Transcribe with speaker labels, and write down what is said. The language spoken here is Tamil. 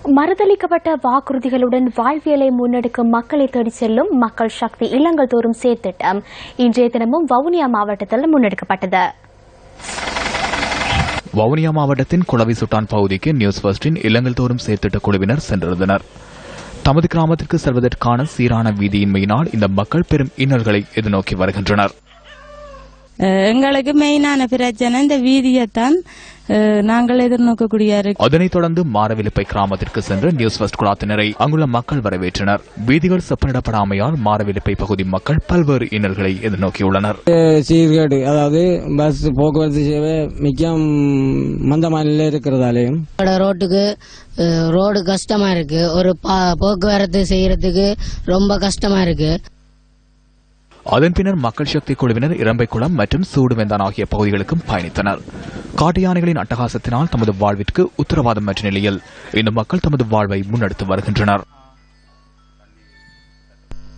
Speaker 1: மறுதளிக்கப்பட்ட வாக்குறுதிகளுடன் வாழ்வியலை முன்னெடுக்கும் மக்களை தேடிச் செல்லும் மக்கள் சக்தி இல்லங்கள் தோறும் செயற்திட்டம் இன்றைய தினமும் வவுனியா மாவட்டத்தில் முன்னெடுக்கப்பட்டது.
Speaker 2: வவுனியா மாவட்டத்தின் குளவி சுட்டான் பகுதிக்கு நியூஸ் ஃபர்ஸ்டின் இல்லங்கள் தோறும் செயற்திட்ட குழுவினர் சென்றிருந்தனர். தமது கிராமத்திற்கு செல்வதற்கான சீரான வீதியின்மையினால் இந்த மக்கள் பெரும் இன்னல்களை எதிர்நோக்கி வருகின்றனர்.
Speaker 3: எங்களுக்கு மெயினான பிரச்சனை இந்த வீதியைத்தான் நாங்கள் எதிர்நோக்கக்கூடிய.
Speaker 2: அதனைத் தொடர்ந்து மாரவிலிப்பை கிராமத்திற்கு சென்று நியூஸ் ஃபர்ஸ்ட் குழாத்தினரை அங்குள்ள மக்கள் வரவேற்றனர். வீதிகள் செப்பனிடப்படாமையால் மாரவிலிப்பை பகுதி மக்கள் பல்வேறு இன்னல்களை எதிர்நோக்கியுள்ளனர்.
Speaker 4: சீர்கேடு, அதாவது பஸ் போக்குவரத்து சேவை மிக மந்தமானில இருக்கிறதாலேயும்
Speaker 5: ரோடு கஷ்டமா இருக்கு. ஒரு போக்குவரத்து செய்யறதுக்கு ரொம்ப கஷ்டமா இருக்கு.
Speaker 2: அதன் பின்னர் மக்கள் சக்தி குழுவினர் இரம்பைக்குளம் மற்றும் சூடுவெந்தான் ஆகிய பகுதிகளுக்கும் பயணித்தனர். காட்டு யானைகளின் அட்டகாசத்தினால் தமது வாழ்விற்கு உத்தரவாதம் அற்ற நிலையில் இந்த மக்கள் தமது வாழ்வை முன்னெடுத்து வருகின்றனர்.